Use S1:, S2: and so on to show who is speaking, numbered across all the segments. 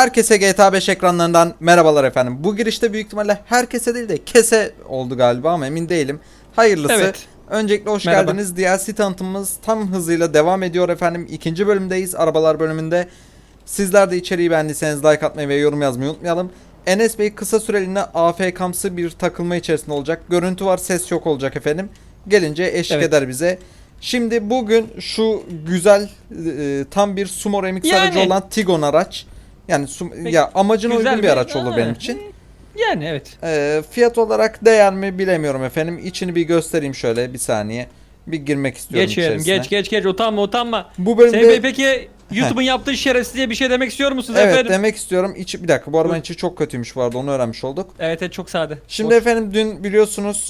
S1: Herkese GTA 5 ekranlarından merhabalar efendim. Bu girişte büyük ihtimalle herkese değil de kese oldu galiba ama emin değilim. Hayırlısı.
S2: Evet.
S1: Öncelikle hoş
S2: Merhaba.
S1: geldiniz. DLC tanıtımımız tam hızıyla devam ediyor efendim. İkinci bölümdeyiz. Arabalar bölümünde. Sizler de içeriği beğendiyseniz like atmayı ve yorum yazmayı unutmayalım. Enes Bey kısa süreliğine AFK'msı bir takılma içerisinde olacak. Görüntü var, ses yok olacak efendim. Gelince eşlik eder bize. Şimdi bugün şu güzel tam bir sumo remix aracı olan Tigon araç. Yani ya amacına uygun bir araç olur benim için.
S2: Yani evet.
S1: Fiyat olarak değer mi bilemiyorum efendim. İçini bir göstereyim şöyle bir saniye. Bir girmek istiyorum
S2: Geçelim.
S1: içerisine.
S2: Geç utanma.
S1: Bu bölümde
S2: Semih Bey peki YouTube'un yaptığı şerefsizliğe bir şey demek istiyor musunuz
S1: evet
S2: efendim?
S1: demek istiyorum. Bir dakika bu arabanın içi çok kötüymüş bu arada, onu öğrenmiş olduk.
S2: Evet çok sade.
S1: Şimdi efendim dün biliyorsunuz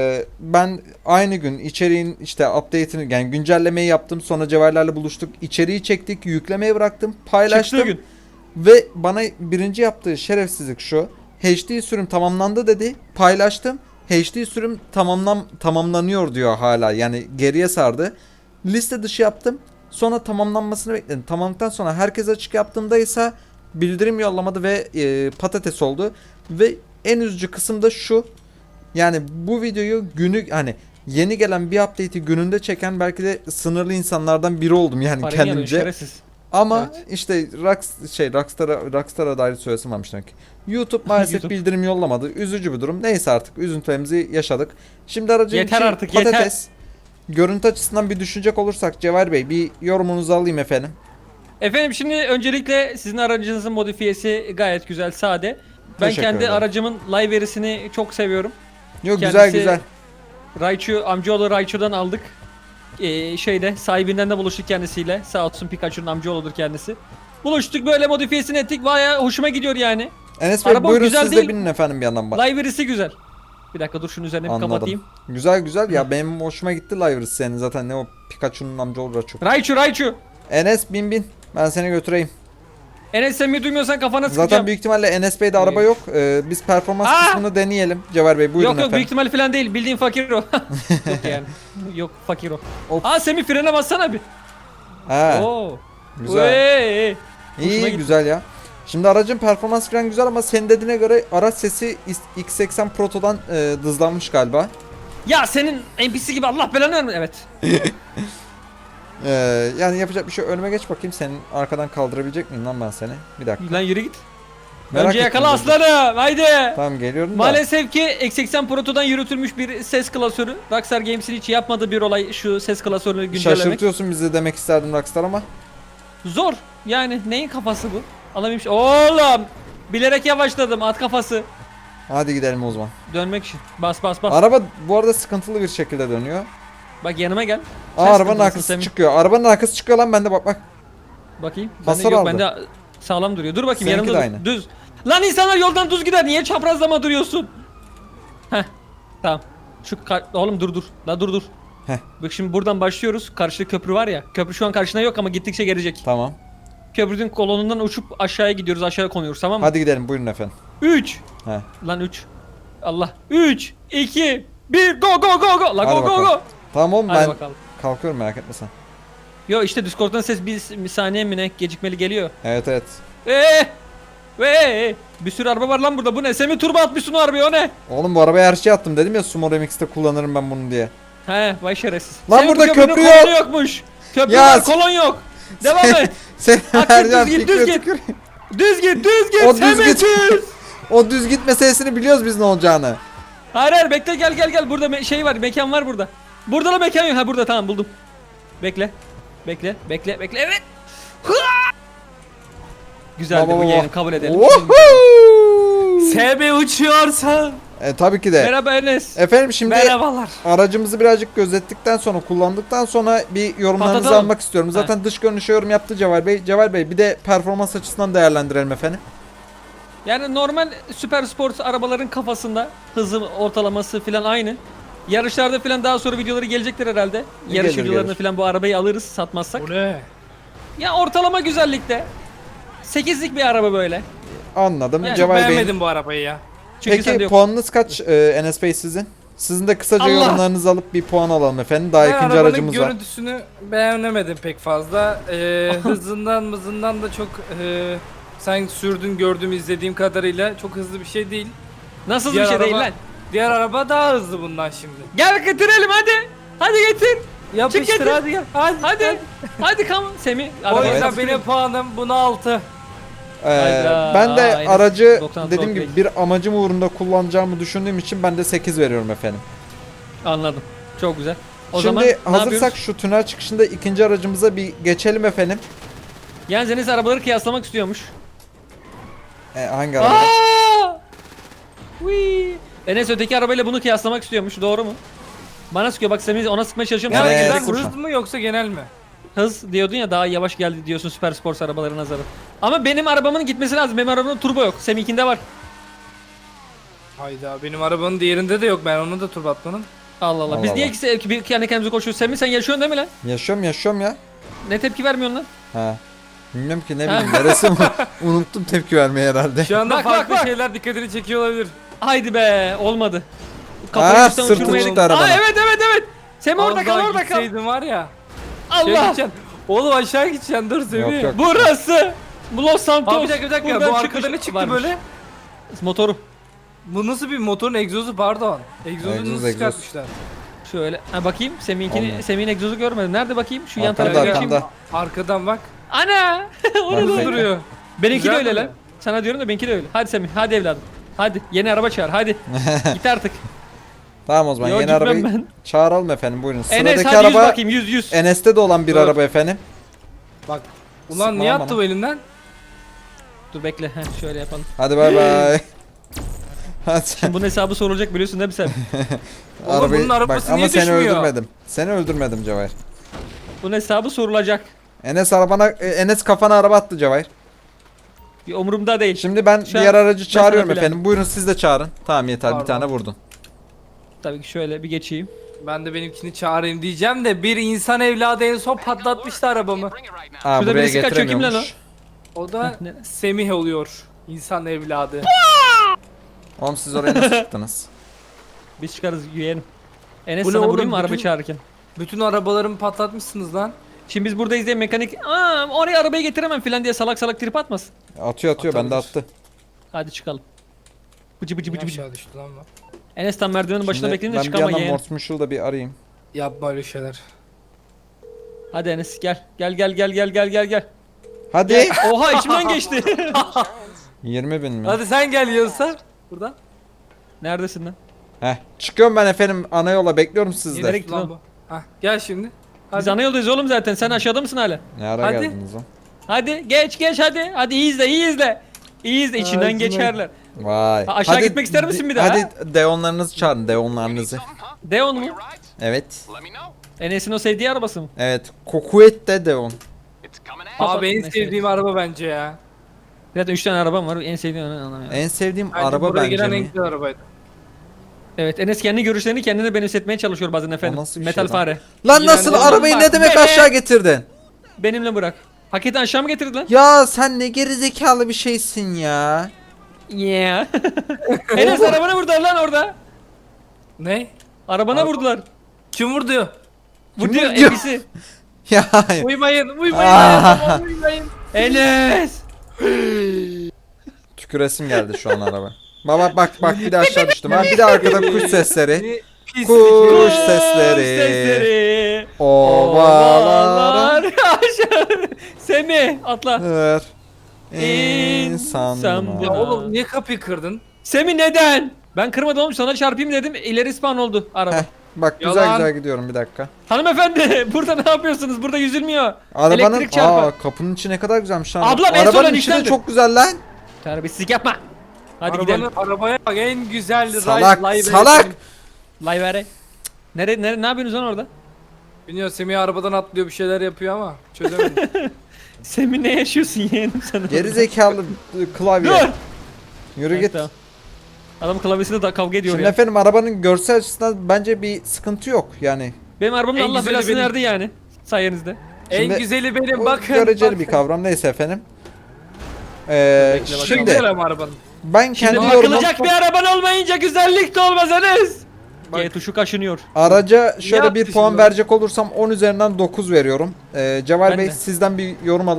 S1: ben aynı gün içeriğin işte update'ini yani güncellemeyi yaptım. Sonra Cevherlerle buluştuk. İçeriği çektik, yüklemeye bıraktım, paylaştım.
S2: Çıktığı gün.
S1: Ve bana birinci yaptığı şerefsizlik şu. HD sürüm tamamlandı dedi. Paylaştım. HD sürüm tamamlanıyor diyor hala. Yani geriye sardı. Liste dışı yaptım. Sonra tamamlanmasını bekledim. Tamamladıktan sonra herkes açık yaptığımda ise bildirim yollamadı ve patates oldu. Ve en üzücü kısım da şu. Yani bu videoyu hani yeni gelen bir update'i gününde çeken belki de sınırlı insanlardan biri oldum yani
S2: Parayı
S1: kendimce.
S2: yanıyor, şerefsiz.
S1: Ama
S2: Evet.
S1: işte Rockstar'a dair söylesim varmış demek ki. YouTube maalesef
S2: YouTube.
S1: bildirim yollamadı. Üzücü bir durum. Neyse artık üzüntülerimizi yaşadık. Şimdi aracın
S2: Yeter
S1: içi
S2: artık,
S1: patates. Görüntü açısından bir düşünecek olursak Cevher Bey bir yorumunuzu alayım efendim.
S2: Efendim şimdi öncelikle sizin aracınızın modifiyesi gayet güzel, sade. Ben
S1: Teşekkür
S2: kendi
S1: ederim.
S2: aracımın livery'sini çok seviyorum.
S1: Yok
S2: Kendisi-
S1: güzel.
S2: Amcaoğlu Raichu'dan aldık. Sahibinden de buluştuk kendisiyle. Sağ olsun, Pikachu'nun amcaoğludur kendisi. Buluştuk, böyle modifiyesini ettik. Bayağı hoşuma gidiyor yani.
S1: Enes Bey
S2: Araba
S1: buyurun
S2: güzel
S1: siz de
S2: değil.
S1: binin efendim bir yandan bak.
S2: Livery'si güzel. Bir dakika dur, şunun üzerine bir kapatayım.
S1: Güzel ya benim hoşuma gitti Livery senin zaten ne o Pikachu'nun amcaoğlu Raichu.
S2: Raichu.
S1: Enes bin ben seni götüreyim.
S2: Enes sen mi duymuyorsan kafana sıkacağım.
S1: Zaten büyük ihtimalle Enes Bey'de araba yok. Biz performans kısmını deneyelim. Cevher Bey buyurun
S2: Yok
S1: efendim.
S2: büyük ihtimal falan değil. Bildiğin fakir o. Yok yani. Yok fakir o.
S1: Of.
S2: Semih frene bassana bir.
S1: He,
S2: Oo.
S1: güzel.
S2: Hey. Hoşuma
S1: İyi
S2: gitti.
S1: güzel ya. Şimdi aracın performans falan güzel ama senin dediğine göre araç sesi X80 Proto'dan dızlanmış galiba.
S2: Ya senin NPC gibi, Allah belanı vermesin. Evet.
S1: Yani yapacak bir şey, önüme geç bakayım, senin arkadan kaldırabilecek miyim lan ben seni? Bir dakika.
S2: Lan yürü git.
S1: Merak
S2: Önce
S1: ettim
S2: yakala
S1: dur.
S2: aslanım. Haydi.
S1: Tamam geliyorum da.
S2: Maalesef ki X80 Proto'dan yürütülmüş bir ses klasörü. Rockstar Games'in hiç yapmadığı bir olay şu ses klasörünü güncellemek.
S1: Şaşırtıyorsun bizi demek isterdim Rockstar ama.
S2: Zor. Yani neyin kafası bu? Alamaymış. Oğlum. Bilerek yavaşladım, at kafası.
S1: Hadi gidelim o zaman.
S2: Dönmek için. Bas.
S1: Araba bu arada sıkıntılı bir şekilde dönüyor.
S2: Bak yanıma gel.
S1: Aa,
S2: Sen
S1: arabanın
S2: sıkıntılısın
S1: arkası
S2: Semih.
S1: çıkıyor. Arabanın arkası çıkıyor lan, bende bak.
S2: Bakayım.
S1: Hasar
S2: Yok
S1: aldı.
S2: bende sağlam duruyor. Dur bakayım,
S1: Seninki
S2: yanımda
S1: de
S2: dur.
S1: aynı.
S2: Düz. Lan insanlar yoldan düz gider. Niye çaprazlama duruyorsun? Heh. Tamam. Oğlum dur. La dur.
S1: Heh.
S2: Bak şimdi buradan başlıyoruz. Karşıda köprü var ya. Köprü şu an karşına yok ama gittikçe gelecek.
S1: Tamam.
S2: Köprünün kolonundan uçup aşağıya gidiyoruz. Aşağıya konuyoruz, tamam mı?
S1: Hadi gidelim buyurun efendim.
S2: 3.
S1: He.
S2: Lan 3. Allah. 3 2 1 go. La
S1: Hadi
S2: go.
S1: bakalım. Tamam oğlum
S2: Hadi
S1: ben
S2: bakalım.
S1: kalkıyorum, merak etme sen.
S2: Yo işte Discord'dan ses bir saniye mi ne gecikmeli geliyor.
S1: Evet.
S2: Bir sürü araba var lan burada. Bu ne? Semih turbo atmışsın o arabaya, o ne?
S1: Oğlum bu arabaya her şey attım dedim ya, Sumo Remix'te kullanırım ben bunu diye.
S2: He vay şerefsiz.
S1: Lan
S2: Semih, bu
S1: burada
S2: köprünün
S1: köprü
S2: kolonu
S1: yok.
S2: yokmuş. Köprü
S1: Ya
S2: var, kolon yok. Devam et.
S1: Sen
S2: Bak,
S1: her
S2: düz
S1: yer
S2: git,
S1: fikri
S2: düz git.
S1: tükür.
S2: Düz git
S1: O düz
S2: Semih
S1: git.
S2: düz.
S1: O düz git meselesini biliyoruz biz ne olacağını.
S2: Hayır bekle, gel. Burada şey var, mekan var burada. Burada da mekan yok. Ha burada, tamam buldum. Bekle. Evet. Hıa! Güzeldi bu yeğenim, kabul edelim.
S1: Woohoo!
S2: SB uçuyorsa.
S1: Tabii ki de.
S2: Merhaba Enes.
S1: Efendim şimdi
S2: Merhabalar.
S1: aracımızı birazcık gözettikten sonra, kullandıktan sonra bir yorumlarınızı
S2: Patlatalım.
S1: almak istiyorum. Zaten dış görünüşe yorum yaptı Cevher Bey. Cevher Bey bir de performans açısından değerlendirelim efendim.
S2: Yani normal süper sport arabaların kafasında hızı ortalaması falan aynı. Yarışlarda falan daha sonra videoları gelecektir herhalde. Yarış
S1: Gelir,
S2: videolarını
S1: gelir.
S2: falan bu arabayı alırız satmazsak.
S3: Bu ne?
S2: Ya ortalama güzellikte. 8'lik bir araba böyle.
S1: Anladım.
S2: Yani
S1: Cevher Bey'in.
S3: Beğenmedim bu arabayı ya.
S2: Çünkü sende
S1: Peki
S2: yok.
S1: puanınız kaç Enes Bey sizin? Sizin de kısaca
S2: Allah!
S1: yorumlarınızı alıp bir puan alalım efendim. Daha
S3: Ben
S1: ikinci
S3: arabanın
S1: aracımız var.
S3: görüntüsünü beğenemedim pek fazla. Hızından da çok Sen sürdün, gördüğüm, izlediğim kadarıyla çok hızlı bir şey değil.
S2: Nasıl bir şey değil lan?
S3: Diğer araba daha hızlı bundan şimdi.
S2: Gel getirelim hadi. Hadi getir.
S3: Yapıştır
S2: getir.
S3: hadi gel.
S2: Hadi. Hadi come Semih.
S3: O
S2: arabaya
S3: yüzden
S2: bas.
S3: benim puanım buna 6.
S1: Ben
S2: Hayda.
S1: de
S2: Enes
S1: aracı
S2: 96
S1: dediğim gibi
S2: okey.
S1: bir amacım uğrunda kullanacağımı düşündüğüm için ben de 8 veriyorum efendim.
S2: Anladım. Çok güzel. O
S1: Şimdi
S2: zaman ne
S1: hazırsak
S2: yapıyoruz?
S1: şu tünel çıkışında ikinci aracımıza bir geçelim efendim.
S2: Yalnız Enes arabaları kıyaslamak istiyormuş.
S1: Hangi araba?
S2: Aa! Whee! Enes öteki arabayla bunu kıyaslamak istiyormuş. Doğru mu? Bana sıkıyor bak Semih ona sıkmaya çalışıyorum.
S3: Yani
S2: Sana
S1: Evet.
S2: direkt
S3: güzel
S2: kurşun.
S3: hız mı yoksa genel mi?
S2: Hız diyordun ya daha yavaş geldi diyorsun süper spor arabaların nazarı. Ama benim arabamın gitmesi lazım. Benim arabamın turbo yok. Semih'kinde var.
S3: Hayda benim arabanın diğerinde de yok, ben onu da turbatmanın.
S2: Allah Allah. Biz
S1: Allah
S2: niye
S1: Allah.
S2: ikisi bir kendi kendimize koşuyoruz? Semih sen yaşıyorsun değil mi lan?
S1: Yaşıyorum ya.
S2: Ne tepki vermiyorsun lan?
S1: Ha. Bilmiyorum ki ne bileyim neresi mi? Unuttum tepki vermeyi herhalde.
S3: Şu anda
S2: Bak,
S3: farklı
S2: bak.
S3: şeyler dikkatini çekiyor olabilir.
S2: Haydi be olmadı.
S1: Aa,
S2: üstten
S1: sırtı
S2: uçurmaya-
S1: çıktı arabanın.
S2: Aa evet. Semih orada
S3: Az
S2: kal
S3: daha
S2: orada kal.
S3: gitseydin var ya. Şey
S2: Allah.
S3: gideceksin. Oğlum aşağı gideceksin, dur Semih.
S1: yok.
S2: Burası. Los Santos.
S3: Abi bir dakika
S2: Buradan
S3: bu
S2: çıkış
S3: arkada ne çıktı
S2: varmış.
S3: böyle?
S2: Motoru.
S3: Bu nasıl bir motorun egzozu, pardon. Egzozu
S1: Egzoz,
S3: nasıl
S1: egzoz.
S3: çıkartmışlar?
S2: Şöyle ha bakayım
S1: Olmuyor.
S2: Semih'in egzozu görmedim. Nerede bakayım? Şu yan
S1: Arkamda,
S2: tarafa
S1: arkamda.
S2: geçeyim.
S3: Arkadan bak.
S2: Ana! Orada
S1: Bak,
S2: duruyor.
S3: Duruyor.
S2: Benimki de
S3: Güzel
S2: öyle
S3: mi?
S2: lan. Sana diyorum da benimki de öyle. Hadi Semih, hadi evladım. Hadi yeni araba çağır hadi. Git artık.
S1: Tamam o zaman
S2: Yok,
S1: yeni
S2: gitmem
S1: arabayı
S2: ben.
S1: çağıralım efendim buyurun.
S2: Enes
S1: Sıradaki
S2: hadi 100
S1: araba
S2: bakayım 100.
S1: Enes'te de olan bir
S3: Dur.
S1: araba efendim.
S3: Bak. Ulan
S1: Sıkma
S3: niye
S1: lan
S3: attı
S1: bana.
S3: bu elinden?
S2: Dur bekle. Heh, şöyle yapalım.
S1: Hadi bay bay. Hadi.
S2: Şimdi bunun hesabı sorulacak biliyorsun değil mi sen?
S3: Oğlum bunun arabası
S1: ama
S3: niye
S1: seni
S3: düşmüyor?
S1: öldürmedim. Seni öldürmedim Cevahir.
S2: Bunun hesabı sorulacak.
S1: Enes kafana araba attı Cevahir.
S2: Bir umurumda değil.
S1: Şimdi ben
S2: Şu an
S1: diğer aracı
S2: sana
S1: çağırıyorum
S2: bilen.
S1: efendim. Buyurun siz de çağırın. Tamam yeter bir
S3: Pardon.
S1: tane vurdun.
S2: Tabii ki şöyle bir geçeyim.
S3: Ben de benimkini çağırayım diyeceğim de bir insan evladı en son patlatmıştı arabamı.
S1: Aa,
S2: Şurada
S1: buraya
S2: birisi kaçıyor, kim lan
S1: getiremiyormuş.
S3: O da
S2: Ne?
S3: Semih oluyor. İnsan evladı.
S1: Oğlum siz oraya nasıl çıktınız?
S2: Biz çıkarız yeğenim. Enes
S3: Bu ne
S2: sana
S3: oğlum,
S2: vurayım mı araba
S3: bütün-
S2: çağırırken?
S3: Bütün arabalarımı patlatmışsınız lan.
S2: Şimdi biz buradayız diye mekanik oraya arabayı getiremem filan diye salak salak trip atmasın.
S1: Atıyor bende
S3: Atabilir.
S1: attı.
S2: Hadi çıkalım. Bıcı bıcı
S3: Niye
S2: bıcı bıcı.
S3: aşağı düştü lan bu?
S2: Enes tam merdivenin başına
S1: Şimdi
S2: bekleyin de
S1: ben bir
S2: çıkama
S1: yandan
S2: yeğen.
S1: Morse Mutual'da bir arayayım.
S3: Yapma öyle şeyler.
S2: Hadi Enes gel. Gel.
S1: Hadi.
S2: Oha içimden geçti.
S1: 20.000 mi?
S3: Hadi sen gel yiyorsa. Buradan.
S2: Neredesin lan?
S1: Heh. Çıkıyorum ben efendim ana yola bekliyorum
S2: Nereye
S1: sizde.
S2: gittin
S3: Lan
S2: oğlum?
S3: bu. Hah gel şimdi. Hadi.
S2: Biz ana yoldayız oğlum zaten. Sen aşağıda mısın hala?
S1: Ne ara
S3: Hadi.
S1: geldiniz lan?
S2: Hadi geç hadi. Hadi iyi izle. İyi izle içinden
S3: Ağzına-
S2: geçerler.
S1: Vay.
S2: Ha, aşağı gitmek ister misin bir daha?
S1: Hadi deonlarınızı çağırın deonlarınızı.
S2: Deon mu?
S1: Evet.
S2: Enes'in o sevdiği arabası mı?
S1: Evet. Kokuet de deon.
S3: Abi en
S2: Neyse.
S3: sevdiğim araba bence ya.
S2: Zaten 3 tane arabam var. En sevdiğim anlamıyorum.
S1: En sevdiğim
S3: Bence
S1: araba
S3: buraya
S1: bence
S3: giren en
S1: mi?
S3: güzel arabaydı.
S2: Evet Enes kendi görüşlerini kendine benimsetmeye çalışıyor bazen efendim.
S1: O nasıl bir
S2: Metal
S1: şey lan?
S2: fare.
S1: Lan
S3: İğrenç
S1: nasıl
S3: oğlum,
S1: arabayı
S2: bak
S1: ne demek
S2: be.
S1: aşağı getirdin?
S2: Benimle bırak. Hakikaten aşağı mı getirdin lan?
S1: Ya sen ne gerizekalı bir şeysin ya.
S2: Yeah. Enes arabana vurdular lan orada.
S3: Ne?
S2: Arabana
S3: Araba-
S2: vurdular.
S3: Kim vurdu?
S2: Vurduyor
S1: vurdu?
S2: NPC.
S1: Ya hayır.
S3: Uymayın,
S1: Ah.
S3: uymayın.
S2: Enes.
S1: Tüküresim geldi şu an araba. Bak bir de aşağı düştüm ha. Bir de arkada kuş sesleri.
S3: Seni pis
S1: Kuş
S3: seni.
S1: sesleri.
S2: Sesleri.
S1: Ovalara.
S2: Aşağı. Semih atla.
S1: Her
S2: İnsan
S1: insan
S2: bu.
S3: Ya
S1: buna.
S3: oğlum niye kapıyı kırdın?
S2: Semih neden? Ben kırmadım oğlum sana çarpayım dedim. İleri spawn oldu araba.
S1: Heh, bak güzel
S3: Yalan.
S1: güzel gidiyorum bir dakika.
S2: Hanımefendi burada ne yapıyorsunuz? Burada yüzülmüyor.
S1: Arabanın
S2: Elektrik çarpar.
S1: kapının içi ne kadar güzelmiş lan.
S2: Ablam, en son
S1: Arabanın içi de
S2: eniştemdir.
S1: çok güzel lan.
S2: Terbiyesizlik yapma. Hadi
S3: Arabanın,
S2: gidelim.
S3: Arabaya bak en güzel
S1: Salak
S3: live
S1: salak.
S2: Live vere. Ne yapıyorsunuz lan orada?
S3: Bilmiyorum Semih arabadan atlıyor bir şeyler yapıyor ama çözemedim.
S2: Semih ne yaşıyorsun yeğenim sen? orada?
S1: Geri zekalı klavye.
S2: Dur.
S1: Yürü
S2: Evet,
S1: git.
S2: tamam. Adam klavyesinde da kavga ediyor
S1: Şimdi
S2: ya.
S1: efendim arabanın görsel açısından bence bir sıkıntı yok yani.
S2: Benim arabamın
S3: En
S2: Allah
S3: güzeli
S2: belasını
S3: benim.
S2: verdi yani. Sayenizde.
S1: Şimdi
S3: en güzeli benim
S1: O
S3: bakın.
S1: göreceli bir
S3: bakın.
S1: kavram neyse efendim.
S2: Bekle bakalım.
S3: Çok
S1: Şimdi
S3: güzel ama arabanın.
S1: ben kendi
S2: Şimdi
S1: yorumum
S2: bakılacak bir araban olmayınca güzellik de olmaz Enes.
S3: Bak.
S2: G tuşu kaşınıyor.
S1: araca şöyle
S3: yaptı
S1: bir puan
S3: şimdi?
S1: verecek olursam 10 üzerinden 9 veriyorum. Cevher
S2: Ben
S1: Bey
S2: de.
S1: sizden bir yorum alıp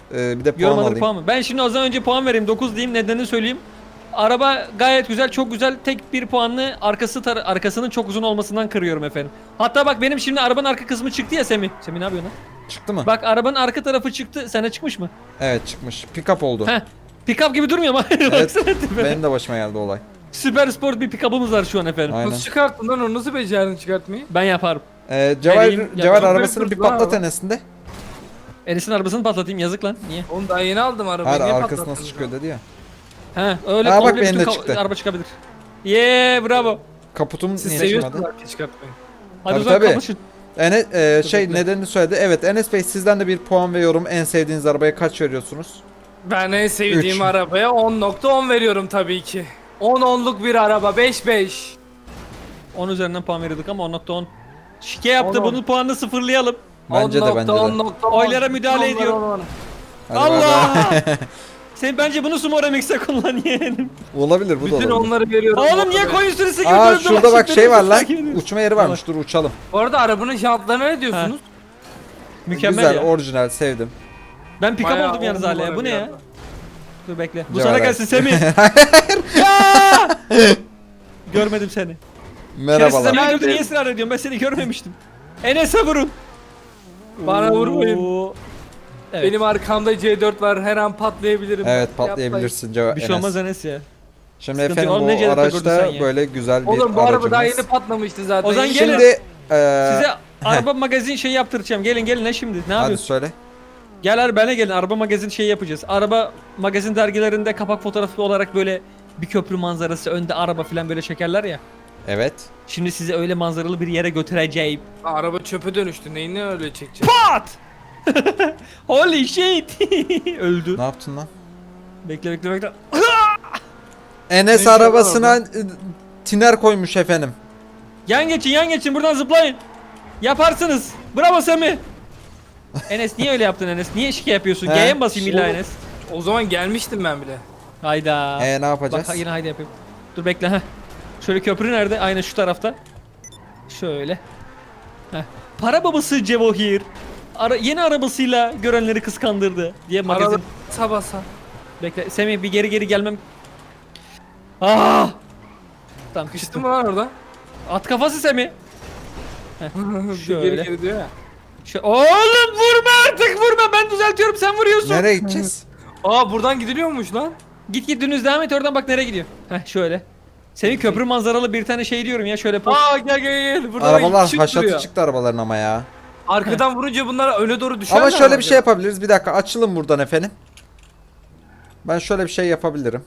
S1: Bir de puan
S2: Yorumladık
S1: alayım.
S2: puan mı? Ben şimdi o zaman önce puan vereyim. 9 diyeyim. Nedenini söyleyeyim. Araba gayet güzel, çok güzel. Tek bir puanlı arkasının çok uzun olmasından kırıyorum efendim. Hatta bak benim şimdi arabanın arka kısmı çıktı ya Semih. Semih ne yapıyorsun lan?
S1: Çıktı mı?
S2: Bak arabanın arka tarafı çıktı. Sana çıkmış mı?
S1: Evet çıkmış. Pick-up oldu.
S2: Heh. Pick-up gibi durmuyor mu?
S1: Evet.
S2: Baksana tipe.
S1: Benim de başıma geldi olay.
S2: Süper sport bir pick-up'ımız var şu an efendim.
S1: Aynen.
S3: Nasıl çıkarttın lan onu? Nasıl becerdin çıkartmayı?
S2: Ben yaparım.
S1: Cevher,
S2: Vereyim,
S1: Cevher
S2: yapalım.
S1: arabasını bir
S3: Lan
S1: patlat
S3: ama.
S1: Enes'inde.
S2: Enes'in arabasını patlatayım yazık lan. Niye?
S3: Oğlum daha yeni aldım arabayı.
S1: Hayır
S3: Niye
S1: arkası
S3: patlattın
S1: nasıl çıkıyor dedi ya.
S2: He öyle
S1: Aa, bak
S2: komple
S1: benim de
S2: bütün
S1: çıktı.
S2: araba çıkabilir. Bravo.
S1: Kaputum
S3: Siz
S1: niye
S3: seviyorsunuz
S1: çıkmadı?
S3: arka çıkartmayı.
S2: Hadi
S1: Tabii,
S2: o zaman
S1: tabii.
S2: kapışın.
S1: Enes,
S2: bekle.
S1: nedenini söyledi. Evet Enes Bey sizden de bir puan ve yorum. En sevdiğiniz arabaya kaç veriyorsunuz?
S3: Ben en sevdiğim
S1: Üç.
S3: arabaya 10.10 veriyorum tabii ki. 10'luk bir araba 5-5.
S2: 10 üzerinden puan veriyorduk ama 10.10. Şike yaptı
S3: 10.
S2: bunun puanını sıfırlayalım.
S1: Bence de bence de.
S3: 10.10.
S2: Oylara müdahale ediyor.
S1: Hadi
S2: Allah!
S1: bakalım.
S2: Sen bence bunu Sumo Remix'e kullan yeğenim.
S1: Olabilir bu da
S3: Bütün
S1: olabilir.
S3: onları veriyorum.
S2: Oğlum niye koyun sürüsü gibi
S1: Aa
S2: dönüp
S1: şurada bak
S2: dolaşıp
S1: şey var lan.
S2: takip ediyorsun?
S1: Uçma yeri varmış. Dur uçalım.
S3: Bu arada arabanın jantlarına ne diyorsunuz?
S2: Mükemmel
S1: Güzel,
S2: ya.
S1: orijinal, sevdim.
S2: Ben pick-up
S3: Bayağı
S2: oldum yalnız
S3: on
S2: hala ya.
S3: numara
S2: Bu ne
S3: bir
S2: ya?
S3: araba.
S2: Dur bekle. Bu
S1: Cevher
S2: sana
S1: abi.
S2: gelsin Semih. Ya! Görmedim seni.
S1: Merhabalar.
S2: Şerefsiz Semih'i gördü niye ısrar ediyorsun? Ben seni görmemiştim. Enes'e vurun.
S3: Bana vurmayın.
S2: Oo. Evet.
S3: Benim arkamda C4 var her an patlayabilirim.
S1: Evet
S3: Yapmayın.
S1: patlayabilirsin Cevher.
S2: Bir şey olmaz Enes ya.
S1: Şimdi
S2: Sıkıntı
S1: efendim
S2: yok. Oğlum ne
S1: bu
S2: cevher takırdın sen
S1: araçta
S2: ya?
S1: böyle güzel bir
S3: Oğlum bu araba daha
S1: aracımız.
S3: yeni patlamıştı zaten.
S2: O zaman gelin.
S1: Şimdi
S2: Size araba magazin şey yaptıracağım. Gelin ne şimdi? Ne
S1: hadi
S2: yapıyorsun?
S1: söyle.
S2: Gel abi bana gelin. Araba magazin şey yapacağız. Araba magazin dergilerinde kapak fotoğrafı olarak böyle bir köprü manzarası önde araba falan böyle çekerler ya.
S1: Evet.
S2: Şimdi sizi öyle manzaralı bir yere götüreceğim.
S3: Araba çöpe dönüştü. Neyini öyle çekeceğim?
S2: Pat! Holy shit! Öldü.
S1: Ne yaptın lan?
S2: Bekle.
S1: Enes
S3: Ne
S1: arabasına tiner koymuş efendim.
S2: Yan geçin buradan zıplayın. Yaparsınız. Bravo Semih. Enes niye öyle yaptın Enes? Niye şike yapıyorsun?
S1: He,
S2: G'ye mi basayım illa
S3: oğlum.
S2: Enes?
S3: O zaman gelmiştim ben bile.
S2: Hayda.
S1: Ne yapacağız?
S2: Bak yine haydi yapayım. Dur bekle ha. Şöyle köprü nerede? Aynen şu tarafta. Şöyle. Heh. Para babası Cevohir. Yeni arabasıyla görenleri kıskandırdı diye magazin.
S3: Arada sabasa.
S2: Bekle Semih bir geri gelmem. Ah! Tamam
S3: Kıştın
S2: kıştım.
S3: mı lan orada?
S2: At kafası Semih. Şöyle.
S3: Geri diyor ya.
S2: Oğlum vurma artık vurma ben düzeltiyorum sen vuruyorsun.
S1: Nereye gideceğiz?
S3: Aa buradan gidiliyormuş lan.
S2: Git dönüz devam et oradan bak nereye gidiyor. Heh şöyle. Senin köprü manzaralı bir tane şey diyorum ya şöyle poz.
S3: Aa gel. Burada
S1: Arabalar
S3: küçük
S1: haşatı
S3: duruyor.
S1: çıktı arabaların ama ya.
S3: Arkadan vurunca bunlar öne doğru düşerler.
S1: Ama şöyle
S3: mi
S1: bir şey
S3: acaba?
S1: yapabiliriz. Bir dakika açılın buradan efendim. Ben şöyle bir şey yapabilirim.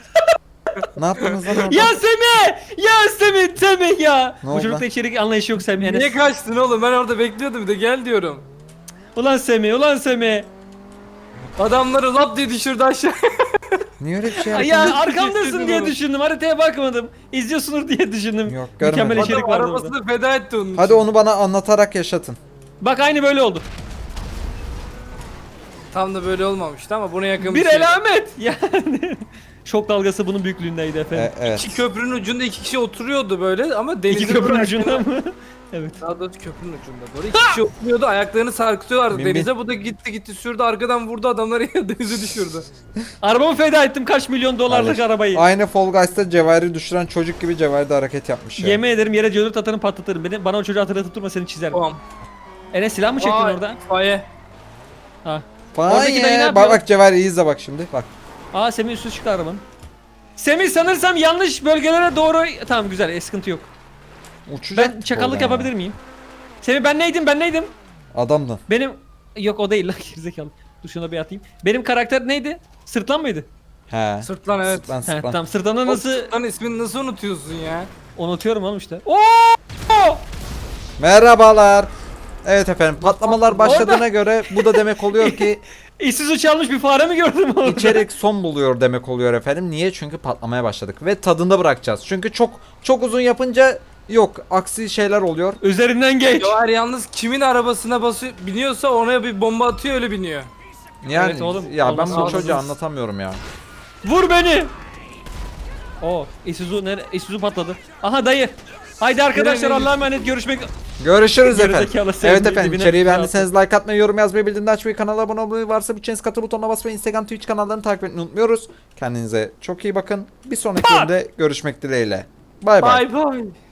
S1: Ne yaptınız lan orada?
S2: Ya Semih! Ya Semih ya!
S1: Ne
S2: Bu
S1: oldu
S2: çocukta
S1: lan?
S2: içerik anlayışı yok Semih Enes.
S3: Niye kaçtın oğlum? Ben orada bekliyordum bir de gel diyorum.
S2: Ulan Semih.
S3: Adamları lap diye düşürdü aşağı.
S1: Niye öyle bir şey
S2: Ay
S1: yaptın?
S2: ya arkamdasın
S3: istedim
S2: diye
S3: onu.
S2: düşündüm. Haritaya bakmadım. İzliyorsunuz diye düşündüm.
S1: Yok,
S2: Mükemmel
S1: görmedim.
S2: içerik
S3: Adam
S2: vardı
S3: arabasını
S2: orada.
S3: feda etti onun için.
S1: Hadi onu bana anlatarak yaşatın.
S2: Bak aynı böyle oldu.
S3: Tam da böyle olmamıştı ama buna yakın
S2: Bir
S3: şey.
S2: elamet. Yani şok dalgası bunun büyüklüğündeydi efendim.
S1: Evet.
S3: İki köprünün ucunda iki kişi oturuyordu böyle ama denize
S2: İki köprünün
S3: bırak-
S2: ucunda mı? Evet.
S3: Daha doğrusu köprünün ucunda doğru. İki kişi oturuyordu ayaklarını sarkıtıyorlardı
S1: Bin bin.
S3: denize. Bu da gitti sürdü arkadan vurdu adamları denize düşürdü.
S2: Arabamı feda ettim kaç milyon dolarlık
S1: Kardeş,
S2: arabayı.
S1: Aynı Fall Guys'ta Cevher'i düşüren çocuk gibi Cevher de hareket yapmış ya.
S2: Yemin ederim yere C4 atarım patlatırım. Bana o çocuğu hatırlatıp durma seni çizerim.
S3: Tamam.
S2: Enes silah mı çektin
S3: Aa,
S2: orada?
S3: itfaiye.
S2: Ha.
S1: Falan
S2: Oradaki dayı ne
S1: ya.
S2: yapıyor?
S1: Bak Cevher iyi izle bak şimdi. Bak.
S2: Aa Semih üstü çıktı arabanın. Semih sanırsam yanlış bölgelere doğru... Tamam güzel sıkıntı yok.
S1: Uçacak.
S2: Ben çakallık
S1: oradan
S2: yapabilir miyim? Semih ben neydim?
S1: ya. Adamdın.
S2: Benim... Yok o değil lan gerizekalı. Dur şuna bir atayım. Benim karakter neydi? Sırtlan mıydı?
S1: He.
S3: Sırtlan evet.
S1: Sırtlan
S2: He
S1: sırtlan.
S2: tamam sırtlanı nasıl...
S3: Lan ismini nasıl unutuyorsun ya?
S2: Unutuyorum oğlum işte. Oo!
S1: Merhabalar. Evet efendim patlamalar başladığına göre bu da demek oluyor ki
S2: İşsiz uçalmış bir fare mi gördüm orada?
S1: içerik son buluyor demek oluyor efendim. Niye? Çünkü patlamaya başladık ve tadında bırakacağız. Çünkü çok uzun yapınca yok aksi şeyler oluyor.
S2: Üzerinden geç.
S3: Cevher yalnız kimin arabasına basıyor biniyorsa ona bir bomba atıyor öyle biniyor.
S1: Yani
S2: Evet oğlum,
S1: ya ben
S2: olmazsa
S1: bu
S2: olmaz.
S1: çocuğa anlatamıyorum ya.
S2: Vur beni. Oo, Isuzu patladı. Aha dayı. Haydi arkadaşlar
S3: Nereye
S2: Allah'a emanet görüşmek.
S1: Görüşürüz
S2: Gerizekalı
S1: efendim.
S2: sevdiği
S1: Evet efendim,
S2: dibine
S1: içeriği
S2: bir
S1: beğendiyseniz like atmayı, yorum yazmayı, bildirimleri açmayı, kanala abone olmayı, varsa bütçeniz katıl butonuna basmayı, Instagram, Twitch kanallarını takip etmeyi unutmuyoruz. Kendinize çok iyi bakın. Bir sonraki bölümde görüşmek dileğiyle. Bay bay.
S3: Bay bay.